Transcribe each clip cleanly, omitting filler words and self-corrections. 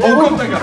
깜짝이야.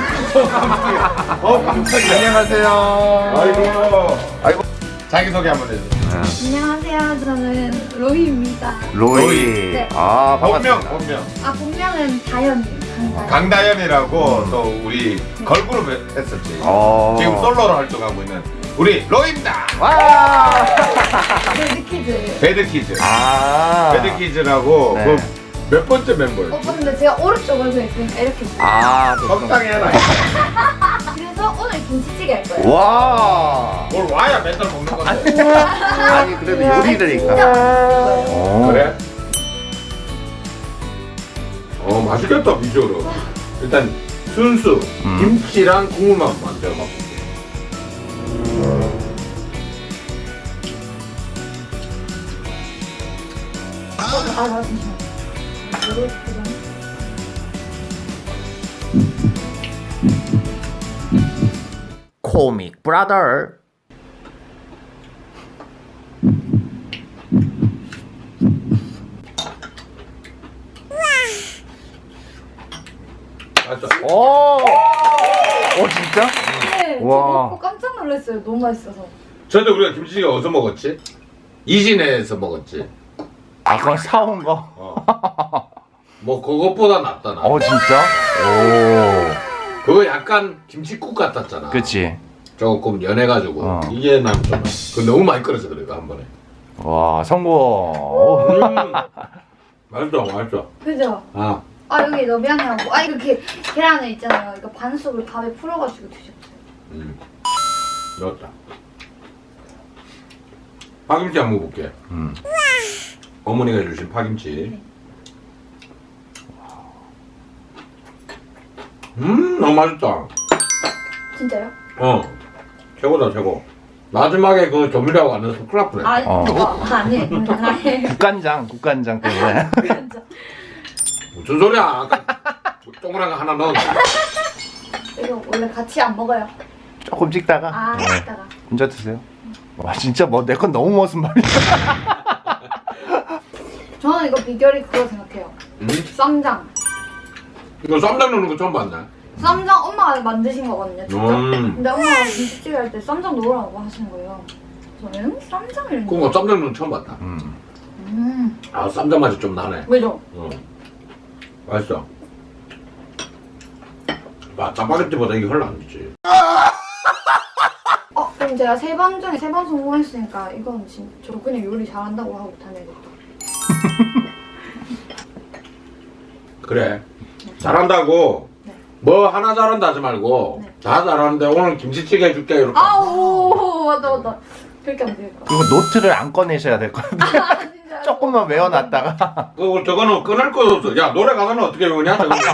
깜짝이야. 안녕하세요. 아이고. 자기소개 한번 해주세요. 안녕하세요. 저는 로이입니다. 로이. 네. 아, 반갑습니다. 본명. 본명은 다현이. 강다현이라고 또 우리 걸그룹 했었지. 지금 솔로로 활동하고 있는 우리 로이입니다. 와. 배드키즈. 배드키즈. 아. 배드키즈라고 네. 그 몇 번째 멤버예요? 근데 제가 오른쪽으로 서 있으니까 이렇게 있어요. 아, 적당히 해라. 그래서 오늘 김치찌개 할 거예요. 와. 뭘 와야 맨날 먹는 건데. 아니, 그래도 요리되니까. 오. 그래? 맛있겠다 비주얼은. 일단 순수 김치랑 국물만 먼저 먹을게. 잠시만요. 코믹 브라더. 맞죠? 오. 진짜? 네, 저 와. 먹고 깜짝 놀랐어요. 너무 맛있어서. 저도 우리가 김치찌개 어디서 먹었지? 이진에서 먹었지. 아, 그건 사온 거. 뭐 그것보다 낫다 나. 진짜? 그거 약간 김치국 같았잖아. 그치. 조금 연해가지고 이게 난 좀. 그 너무 많이 끓여서 그래 한 번에. 와, 성공. 맛있어, 맛있어. 그죠? 아, 여기 너미안해하고 이렇게 계란을 있잖아요. 이거 반숙을 밥에 풀어가지고 드셨어요. 넣었다. 파김치 한번 먹어볼게. 어머니가 주신 파김치. 너무 맛있다. 진짜요? 최고다 최고. 마지막에 그 조미료하고 안 넣어서 큰일 날 뻔했다. 아니에요. 국간장 때문에. 무슨 소리야? 아까 동그란 거 하나 넣었어. 이거 원래 같이 안 먹어요. 조금 찍다가. 이따가. 혼자 드세요. 와, 진짜 뭐 내 건 너무 무슨 말이야. 저는 이거 비결이 그거 생각해요. 쌈장. 이거 쌈장 넣는 거 처음 봤네. 쌈장 엄마가 만드신 거거든요, 진짜. 근데 엄마가 김치찌개 할 때 쌈장 넣으라고 하시는 거예요. 저는 쌈장을 그거 쌈장 넣는 거 처음 봤다. 아, 쌈장 맛이 좀 나네. 왜죠? 맛있어. 짜파게티보다 이게 훨씬 안 좋지. 그럼 제가 3번 중에 3번 성공했으니까 이건 진짜 저 그냥 요리 잘한다고 하고 다녀야겠다. 그래. 잘한다고. 네. 뭐 하나 잘한다 하지 말고 네. 다 잘하는데 오늘 김치찌개 해줄게 이렇게. 아우 맞다. 그렇게 하면 되겠다. 그리고 노트를 안 꺼내셔야 될 것 같아요. 진짜. 조금만 외워놨다가. 저거는 끊을 거 없어. 야 노래 가사는 어떻게 외우냐?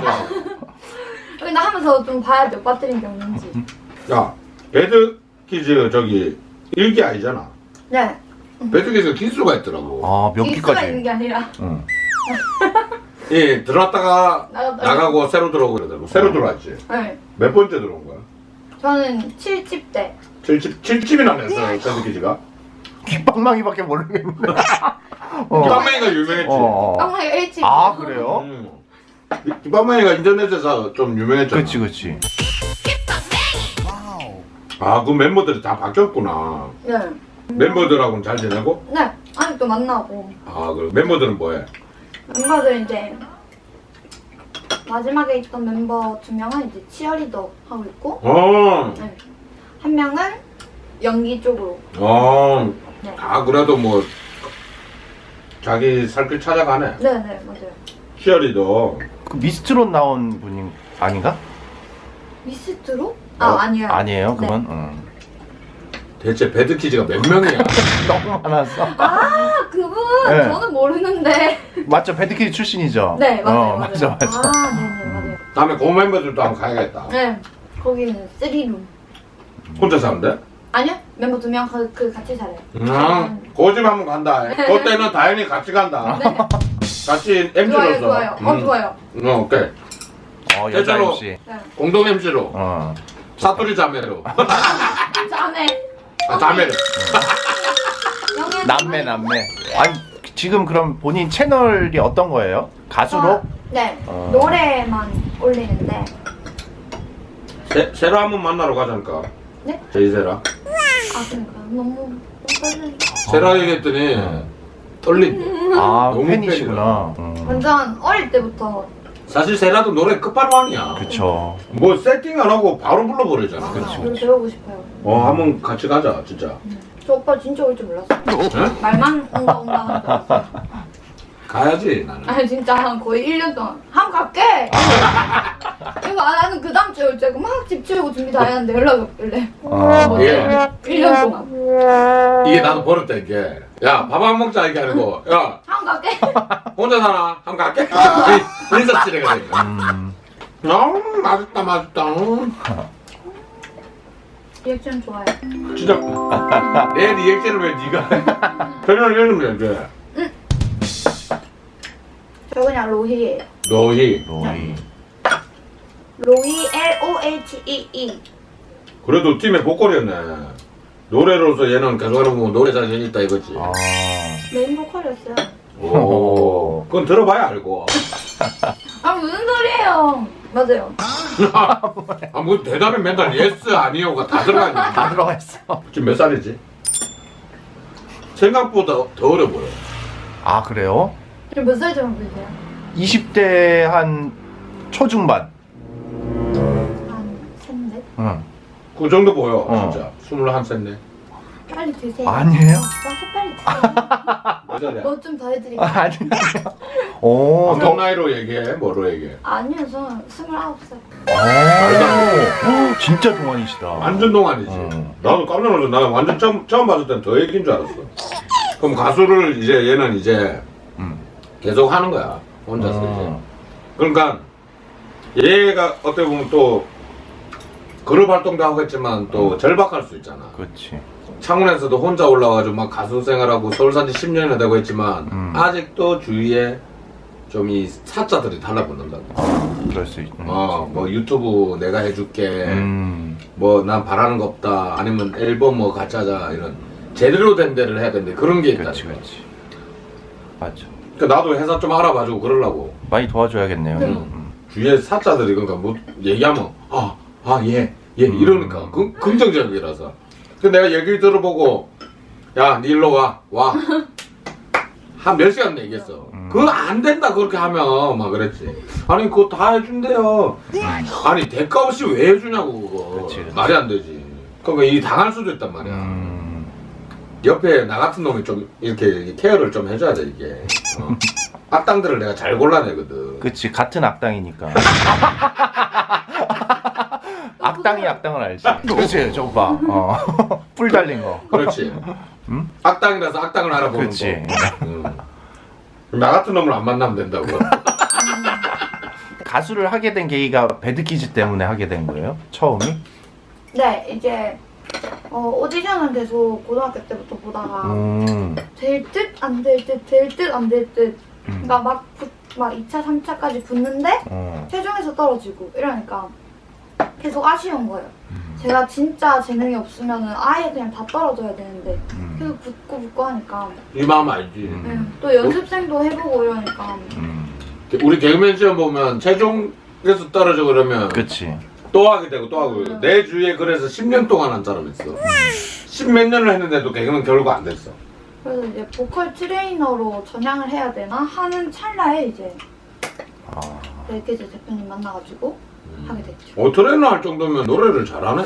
근데 하면서 좀 봐야 돼. 빠뜨린 게 없는지. 야 배드키즈 저기 일기 아니잖아. 네. 배드키즈가 기수가 있더라고. 몇 기수가 기까지? 있는 게 아니라. 예, 들어왔다가 나갔다가. 나가고 새로 들어오고 그러더라고. 새로 들어왔지. 네. 몇 번째 들어온 거야? 저는 7집 때. 7집이나 냈어, 배드키즈가. 귓방망이밖에 모르겠는데. 김밥맨이가 유명했지. 깡마이 1집. 아, 그래요? 김밥맨이가 인터넷에서 좀 유명했잖아. 그치. 아, 그 멤버들이 다 바뀌었구나. 네. 멤버들하고는 잘 지내고? 네. 아직도 만나고. 아, 그래. 멤버들은 뭐해? 멤버들 이제 마지막에 있던 멤버 2명은 이제 치어리더 하고 있고 네. 한 명은 연기 쪽으로. 네. 아, 그래도 뭐 자기 살 길 찾아가네. 네네 맞아요. 치어리더. 그 미스트롯 나온 분이 아닌가? 미스트로? 아니에요. 아니에요, 그건? 대체 배드키즈가 몇 명이야? 너무 많았어. 그분 네. 저는 모르는데. 맞죠? 배드키즈 출신이죠? 네 맞아요. 맞아. 네네 맞아요. 다음에 그 멤버들도 한번 가야겠다. 네 거기는 3룸. 혼자 사는데? 아니요 멤버 2명 그 같이 살아요. 고집 한번 간다. 그때는 다현이 같이 간다. 네. 같이 MC로서. 좋아요. 좋아요. 오케이. 여자 대체로- MC. 네. 공동 MC로. 사투리 자매로. 자네. 자매로. 남매. 아니, 지금 그럼 본인 채널이 어떤 거예요? 가수로? 네 노래만 올리는데 세라 한번 만나러 가자니까. 네? 제이세라. 아 그러니까 너무 떨려. 세라 얘기했더니 떨린대. 아 너무 팬이시구나. 완전 어릴 때부터. 사실 세라도 노래 끝판왕이야. 그쵸. 뭐 세팅 안 하고 바로 불러버리잖아. 노래 배우고 싶어요. 한번 같이 가자 진짜. 저 오빠 진짜 올 줄 몰랐어요. 응? 말만 온다 하는 줄 알았어요. 가야지 나는. 아니 진짜 한 거의 1년 동안 한번 갈게! 이거 나는 그 다음 주에 올 줄 알고 막 집 치우고 준비 다 했는데 연락이 없길래 예. 1년 동안 이게 나도 버릇돼 이게. 야 밥 안 먹자 이게 아니고 야 한번 갈게! 혼자 사나? 한번 갈게. 인사치레가 되니까. 맛있다 맛있다. 리액션 좋아요. 진짜 내 리액션을 왜 네가 해? 별명을 해주면 돼. 저 그냥 로희예요. 너희 로이. 로희 LOHEE. 그래도 팀의 보컬이었네. 노래로서 얘는 계속 해보면 노래 자신 있다 이거지. 아. 메인 보컬이었어요. 오, 그건 들어봐야 알고. 아 무슨 소리예요? 맞아요. 아, 뭐 대답에 맨날 예스 아니요가 다 들어가냐. 다 들어가 있어. 지금 몇 살이지? 생각보다 더 어려 보여. 아 그래요? 지금 몇 살 정도 되세요? 20대 한 초중반. 한 3, 4? 응. 그 정도 보여, 어. 진짜. 21살. 빨리 드세요. 아니에요? 와서 빨리 드세요. 몇 살이야? 뭐 좀 더 해드릴게요. 아니. 오. 어떤 나이로 얘기해? 뭐로 얘기해? 아니요, 저는 29살. 오. 진짜 동안이시다. 완전 동안이지. 나도 깜짝 놀랐어. 나 완전 처음 봤을 땐 더 얘기인 줄 알았어. 그럼 가수를 이제 얘는 이제 계속 하는 거야. 혼자서 이제. 그러니까 얘가 어떻게 보면 또 그룹 활동도 하고 했지만 또 절박할 수 있잖아. 그렇지. 창원에서도 혼자 올라와가지고 막 가수 생활하고 서울 산지 10년이 되고 했지만 아직도 주위에 좀 이 사자들이 달라붙는다. 그럴 수 있. 뭐 유튜브 내가 해줄게. 뭐 난 바라는 거 없다. 아니면 앨범 뭐 같이 하자 이런 제대로 된 데를 해야 되는데 그런 게 있다. 그렇지, 그렇지. 맞아. 그러니까 나도 회사 좀 알아봐주고 그러려고. 많이 도와줘야겠네요. 주위에 사자들이 그러니까 뭐 얘기하면 얘 이러니까 긍정적이라서. 근데 내가 얘기를 들어보고 야 니 일로 와 한 몇 시간 얘기했어. 그거 안 된다 그렇게 하면 막 그랬지. 아니 그거 다 해준대요. 아니 대가 없이 왜 해주냐고 그거. 그치. 말이 안 되지. 그러니까 이 당할 수도 있단 말이야. 옆에 나 같은 놈이 좀 이렇게 케어를 좀 해줘야 돼 이게. 악당들을 내가 잘 골라내거든. 그치, 같은 악당이니까. 악당이 악당을 알지. 그렇지, 저거 봐. 뿔 달린 거. 그렇지. 악당이라서 악당을 알아보는 그렇지. 거. 나 같은 놈을 안 만나면 된다고. 가수를 하게 된 계기가 배드키즈 때문에 하게 된 거예요? 처음이? 네, 이제 오디션은 계속 고등학교 때부터 보다가 될 듯 안 될 듯 될 듯 안 될 듯 그러니까 막 2차, 3차까지 붙는데 최종에서 떨어지고 이러니까 계속 아쉬운 거예요. 제가 진짜 재능이 없으면 아예 그냥 다 떨어져야 되는데 계속 붙고 하니까 이 마음 알지. 또 연습생도 해보고 이러니까 우리 개그맨 시험 보면 최종에서 떨어져 그러면 그치. 또 하게 되고 또 하고. 내 주위에 그래서 10년 동안 한 사람 있어. 10몇 년을 했는데도 개그맨 결국 안 됐어. 그래서 이제 보컬 트레이너로 전향을 해야 되나 하는 찰나에 이제 벨키즈 대표님 만나가지고 하게 됐죠. 트레이너 할 정도면 노래를 잘하네.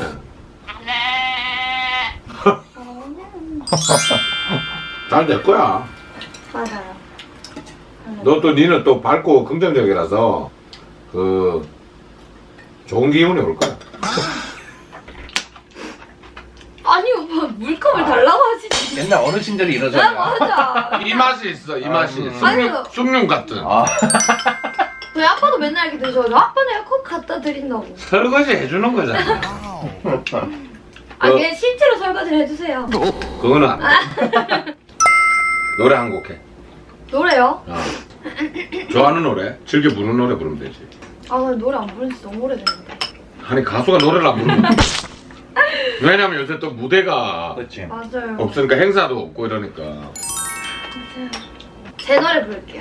잘 될 거야. 맞아요. 니는 또 밝고 긍정적이라서 좋은 기운이 올 거야. 아니 오빠 물컵을 달라고 하시지. 옛날 어르신들이 아, 이러잖아. 맞아. 이 맛이 있어, 이 맛이. 아니요. 숭늉 같은. 저희 아빠도 맨날 이렇게 드셔가지고 아빠 내가 컵 갖다 드린다고. 설거지 해주는 거잖아. 그냥 실제로 설거지를 해주세요. 그거는 안 돼. 노래 한 곡 해. 노래요? 좋아하는 노래? 즐겨 부르는 노래 부르면 되지. 아 근데 노래 안 부른 지 너무 오래됐는데. 아니 가수가 노래를 안 부르면 왜냐면 요새 또 무대가 그렇지. 맞아요. 없으니까 행사도 없고 이러니까. 맞아요. 제 노래 부를게요.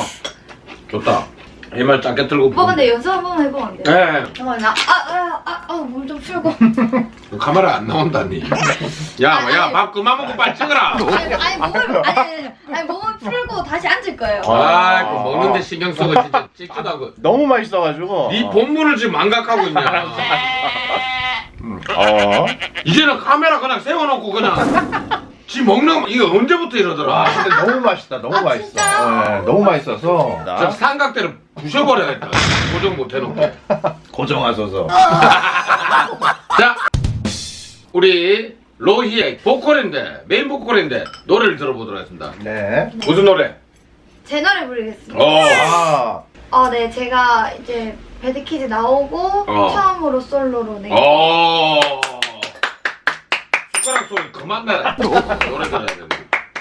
좋다. 이 말 짧게 틀고 오빠 근데 연습 한 번만 해보면 안 돼요? 네. 잠깐만 나 물 좀 풀고. 카메라 안 나온다니. 야, 밥 그만 먹고 빨리 찍어라. 아니 몸을 풀고 다시 앉을 거예요. 아, 그 먹는데 신경 쓰고 진짜 찍지도 않고. 너무 맛있어가지고. 네 본문을 지금 망각하고 있냐. 이제는 카메라 그냥 세워놓고 그냥 지 먹는 거 이거 언제부터 이러더라. 근데 너무 맛있다. 너무 맛있어. 진짜요? 네, 너무 맛있어서. 저 삼각대를 부셔버려야겠다. 고정 못 해놓고. 고정하소서. 자, 우리 로희의 보컬인데 메인 보컬인데 노래를 들어보도록 하겠습니다. 네. 무슨 노래? 제 노래 부르겠습니다. 네, 제가 이제 배드키즈 나오고 처음으로 솔로로 내. 숟가락 소리 그만 내라. 노래 들어야 된다.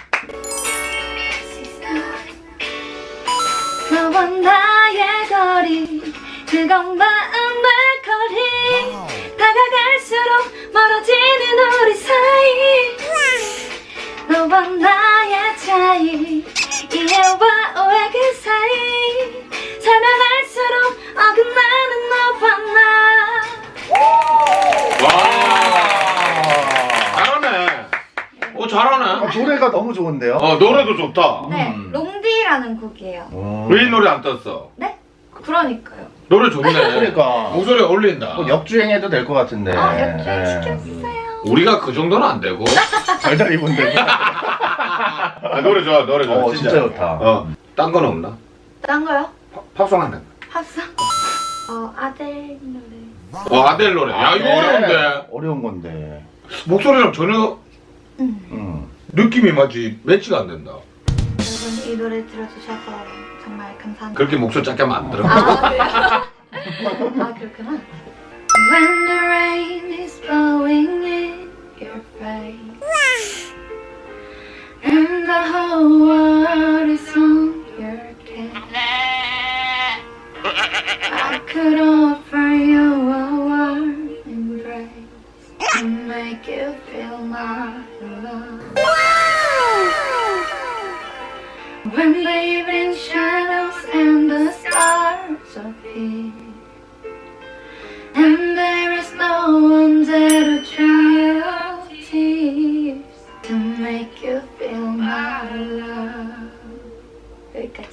너와 나의 거리 그건 마음의 거리 다가갈수록 멀어지는 우리 사이 너와 나의 차이 이해와 오해 그 사이 설명할수록 어긋나는 너와 나. 잘하네. 잘하네. 노래가 너무 좋은데요? 노래도 좋다. 네, 롱디라는 곡이에요. 왜 이 노래 안 떴어? 네? 그러니까요. 노래 좋네. 그러니까. 목소리 어울린다. 역주행해도 될 것 같은데. 역주행 시켜주세요. 우리가 그 정도는 안 되고. 달달이 분들. 노래 좋아, 노래 좋아. 진짜 좋다. 딴 건 없나? 딴 거요? 팝송 한다. 합성? 아델 노래. 아델 노래. 야, 이거 어려운데. 어려운 건데. 목소리랑 전혀 느낌이 마치 매치가 안 된다. 여러분 이 노래 들어주셔서 정말 감사합니다. 그렇게 목소리 작게 하면 안 들어. 그래요? 그렇구나. When the rain is blowing in your face and the whole world is on your case I could offer you a warm embrace to make you feel my love. When the evening shadows and the stars appear and there is no one there to dry your tears to make you feel my love. 여기까지.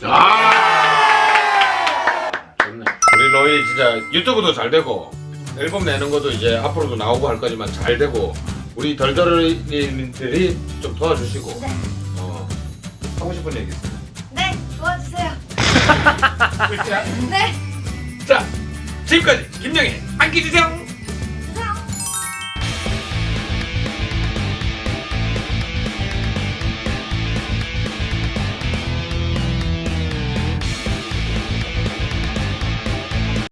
좋네. 우리 로이 진짜 유튜브도 잘 되고 앨범 내는 것도 이제 앞으로도 나오고 할 거지만 잘 되고 우리 덜덜이님들이 좀 도와주시고. 네. 하고 싶은 얘기 있어요? 네, 도와주세요. 네. 자, 지금까지 김영희 안기주세요.